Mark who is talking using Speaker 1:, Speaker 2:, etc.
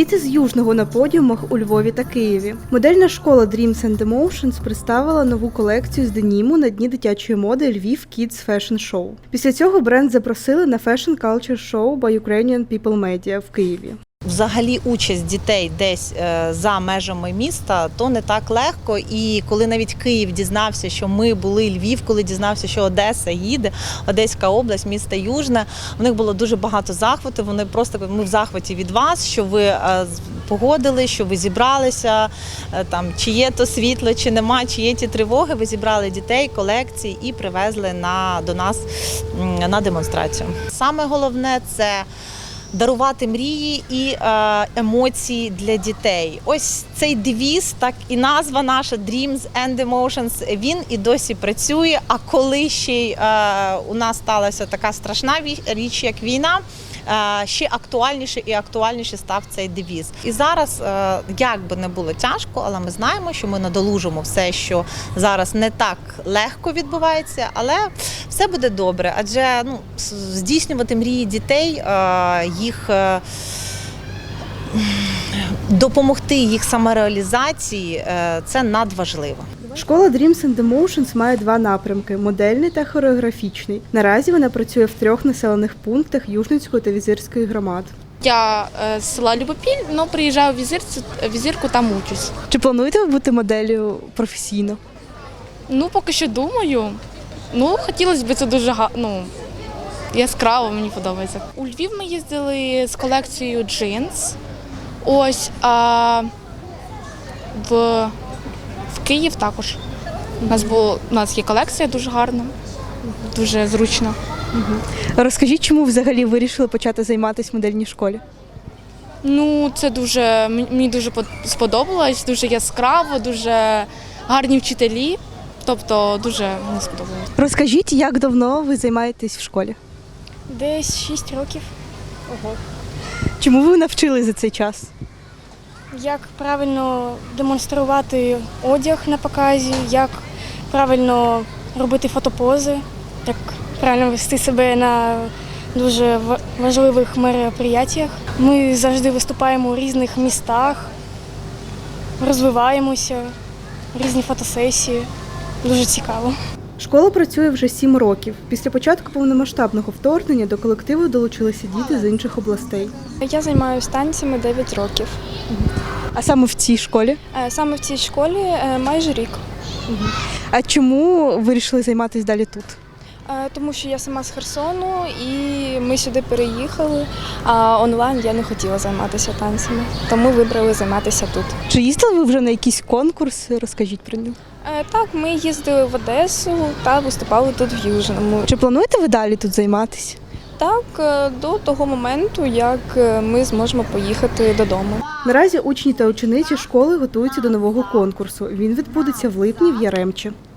Speaker 1: Діти з Южного на подіумах у Львові та Києві. Модельна школа Dreams and Emotions представила нову колекцію з деніму на дні дитячої моди Львів Kids Fashion Show. Після цього бренд запросили на Fashion Culture Show by Ukrainian People Media в Києві.
Speaker 2: Взагалі участь дітей десь за межами міста, то не так легко. І коли навіть Київ дізнався, що ми були, Львів, коли дізнався, що Одеса їде, Одеська область, місто Южне, у них було дуже багато захвату. Вони просто, ми в захваті від вас, що ви погодили, що ви зібралися, там, чи є то світло, чи нема, чи є ті тривоги. Ви зібрали дітей, колекції і привезли до нас на демонстрацію. Саме головне – це дарувати мрії і емоції для дітей. Ось цей девіз, так і назва наша Dreams and Emotions, він і досі працює. А коли ще й у нас сталася така страшна річ, як війна, ще актуальніше і актуальніше став цей девіз. І зараз, як би не було тяжко, але ми знаємо, що ми надолужимо все, що зараз не так легко відбувається, але все буде добре. Адже здійснювати мрії дітей, їх допомогти їх самореалізації – це надважливо.
Speaker 1: Школа Dreams and Emotions має два напрямки – модельний та хореографічний. Наразі вона працює в 3 населених пунктах Южницької та Візирської громад.
Speaker 3: Я з села Любопіль, але приїжджаю в Візирку, там учусь.
Speaker 1: Чи плануєте ви бути моделлю професійно?
Speaker 3: Поки що думаю. Хотілося б це дуже яскраво, мені подобається. У Львів ми їздили з колекцією джинс. Ось, а в Київ також. У нас є колекція дуже гарна, дуже зручна.
Speaker 1: Розкажіть, чому взагалі вирішили почати займатися в модельній школі?
Speaker 3: Мені дуже сподобалось, дуже яскраво, дуже гарні вчителі. Тобто дуже мені сподобалось.
Speaker 1: Розкажіть, як давно ви займаєтесь в школі?
Speaker 4: Десь 6 років.
Speaker 1: Ого. Чому ви навчились за цей час?
Speaker 4: Як правильно демонструвати одяг на показі, як правильно робити фотопози, як правильно вести себе на дуже важливих мероприятиях. Ми завжди виступаємо у різних містах, розвиваємося, різні фотосесії. Дуже цікаво.
Speaker 1: Школа працює вже 7 років. Після початку повномасштабного вторгнення до колективу долучилися діти з інших областей.
Speaker 4: Я займаюся танцями 9 років.
Speaker 1: А саме в цій школі?
Speaker 4: Саме в цій школі майже рік.
Speaker 1: А чому вирішили займатися далі тут?
Speaker 4: Тому що я сама з Херсону і ми сюди переїхали, а онлайн я не хотіла займатися танцями, тому вибрали займатися тут.
Speaker 1: Чи їздили ви вже на якісь конкурси? Розкажіть про нього.
Speaker 4: Так, ми їздили в Одесу та виступали тут в Южному.
Speaker 1: Чи плануєте ви далі тут займатися?
Speaker 4: Так, до того моменту, як ми зможемо поїхати додому.
Speaker 1: Наразі учні та учениці школи готуються до нового конкурсу. Він відбудеться в липні в Яремчі.